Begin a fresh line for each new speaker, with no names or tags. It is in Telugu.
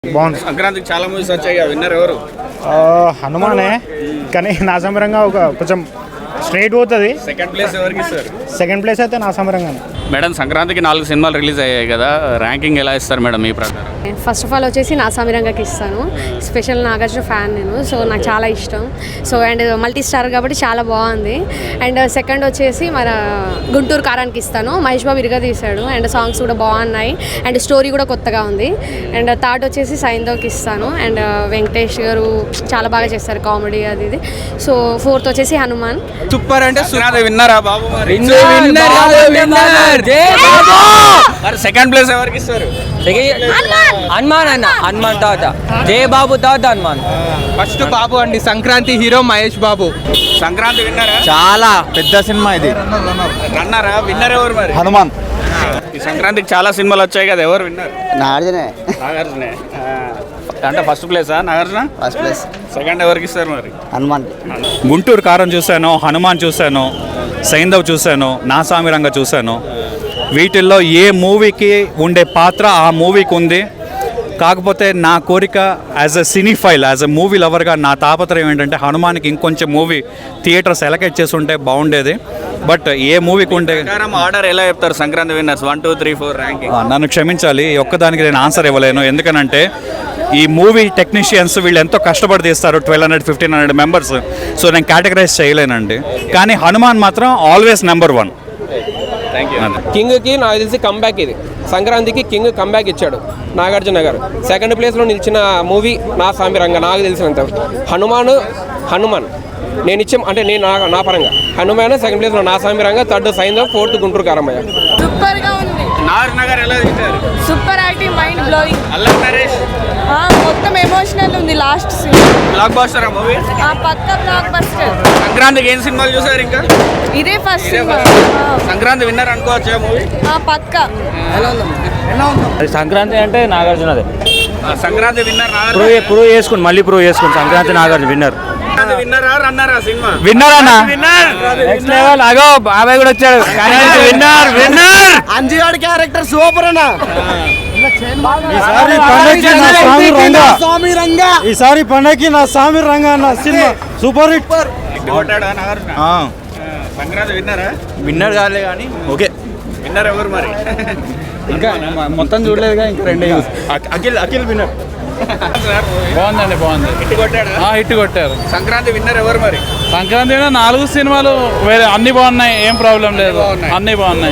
బాగుంది.
సంక్రాంతికి చాలా మూవీస్ వచ్చాయి, విన్నర్ ఎవరు?
హనుమానే, కానీ నా సమరంగా కొంచెం స్ట్రైట్ పోతుంది.
సెకండ్ ప్లేస్ ఎవరికి ఇస్తారు?
సెకండ్ ప్లేస్ అయితే నా సమరంగానే.
మేడం, సంక్రాంతికి 4 సినిమాలు రిలీజ్ అయ్యాయి కదా, ర్యాంకింగ్ ఎలా ఇస్తారు మేడం మీ ప్రకారం?
ఫస్ట్ ఆఫ్ ఆల్ వచ్చేసి నా సమీరంగాకి ఇస్తాను. స్పెషల్ నాగార్జున ఫ్యాన్ నేను, సో నాకు చాలా ఇష్టం. సో అండ్ మల్టీ స్టార్ కాబట్టి చాలా బాగుంది. అండ్ సెకండ్ వచ్చేసి మన గుంటూరు కారానికి ఇస్తాను. మహేష్ బాబు ఇరుగా తీశాడు అండ్ సాంగ్స్ కూడా బాగున్నాయి అండ్ స్టోరీ కూడా కొత్తగా ఉంది. అండ్ థర్డ్ వచ్చేసి సైంధవ్కి ఇస్తాను. అండ్ వెంకటేష్ గారు చాలా బాగా చేస్తారు కామెడీ అది ఇది. సో ఫోర్త్ వచ్చేసి హనుమాన్.
సూపర్ అంటే విన్నరా బాబు? మరి సెకండ్ ప్లేస్ ఎవరికి ఇస్తారు?
హనుమాన్ అన్న, హనుమాన్ తాత, జయ బాబు తాత హనుమాన్.
ఫస్ట్ బాబు అండి, సంక్రాంతి హీరో మహేష్ బాబు.
సంక్రాంతి విన్నరా?
చాలా పెద్ద సినిమా ఇది.
రన్నరా? విన్నర్ ఎవరు మరి?
హనుమాన్.
ఈ సంక్రాంతికి చాలా సినిమాలు వచ్చాయి కదా, ఎవరు విన్నర్?
నాగార్జునే.
అంటే ఫస్ట్ ప్లేసా నాగార్జున?
First place.
సెకండ్ ఎవరికి ఇస్తారు మరి?
హనుమాన్.
గుంటూరు కారం చూశాను, హనుమాన్ చూశాను, సైంధవ్ చూశాను, నా సామిరంగ చూశాను. వీటిల్లో ఏ మూవీకి ఉండే పాత్ర ఆ మూవీకి ఉంది. కాకపోతే నా కోరిక as a cinephile, as a movie లవర్గా నా తాపత్రయం ఏంటంటే హనుమాన్కి ఇంకొంచెం మూవీ థియేటర్స్ ఎలకేట్ చేసి ఉంటే బాగుండేది. బట్ ఏ మూవీకి ఉంటే
ఆర్డర్ ఎలా చెప్తారు? Sankranti winners 1, 2, 3, 4 ranking.
నన్ను క్షమించాలి, ఒక్కదానికి నేను ఆన్సర్ ఇవ్వలేను. ఎందుకనంటే ఈ మూవీ టెక్నీషియన్స్ వీళ్ళు ఎంతో కష్టపడి తీస్తారు, 1200, 1500 మెంబర్స్. సో నేను కేటగరైజ్ చేయలేనండి. కానీ హనుమాన్ మాత్రం ఆల్వేస్ నెంబర్ 1.
కింగ్కి నాకు తెలిసి కంబ్యాక్ ఇది. సంక్రాంతికి కింగ్ కంబ్యాక్ ఇచ్చాడు నాగార్జున గారు. సెకండ్ ప్లేస్లో నిలిచిన మూవీ నా సామిరంగ నాకు తెలిసినంత. హనుమాన్ నేను ఇచ్చాం అంటే నేను నా పరంగా హనుమాన్ సెకండ్ ప్లేస్లో నా సామిరంగ, థర్డ్ సైంధవ్, ఫోర్త్ గుంటూరు కారమయ్య.
సూపర్ గా ఉంది.
నగర్ ఎలా తీశారు?
Super acting, mind blowing.
అల్లం నరేష్
మొత్తం ఎమోషనల్ ఉంది లాస్ట్ సీన్.
బ్లాక్ బస్టర్ ఆ మూవీ.
పక్క బ్లాక్ బస్టర్.
సంక్రాంతికి ఏం సినిమాలు చూసారు? ఇంకా
ఇదే ఫస్ట్ సినిమా.
సంక్రాంతి విన్నర్ అనుకోవచ్చు మూవీ.
పక్క.
సంక్రాంతి అంటే నాగార్జునదే.
సంక్రాంతి విన్నర్
ప్రూవ్ చేసుకుని మళ్ళీ ప్రూవ్ చేసుకుని సంక్రాంతి నాగార్జున విన్నర్.
విన్నరా రన్నరా సినిమా?
విన్నర్ అన్న, నెక్స్ట్ లెవెల్. అగో బాబాయ్ కూడా వచ్చాడు. విన్నర్
అంజిగాడి క్యారెక్టర్ సూపర్ అన్న.
ఈసారి పండగకి నా సామి రంగా అన్న సినిమా సూపర్ హిట్.
సంక్రాంతి విన్నరా?
విన్నర్ కాలే కానీ ఓకే.
విన్నర్ ఎవరు మరి?
ఇంకా మొత్తం చూడలేదుగా, ఇంకా 2 అఖిల్ విన్నర్.
బాగుందండి, బాగుంది.
హిట్ కొట్టారు. సంక్రాంతి విన్నర్ ఎవరు మరి?
సంక్రాంతి 4 సినిమాలు వేరే అన్ని బాగున్నాయి, ఏం ప్రాబ్లం లేదు, అన్ని బాగున్నాయి.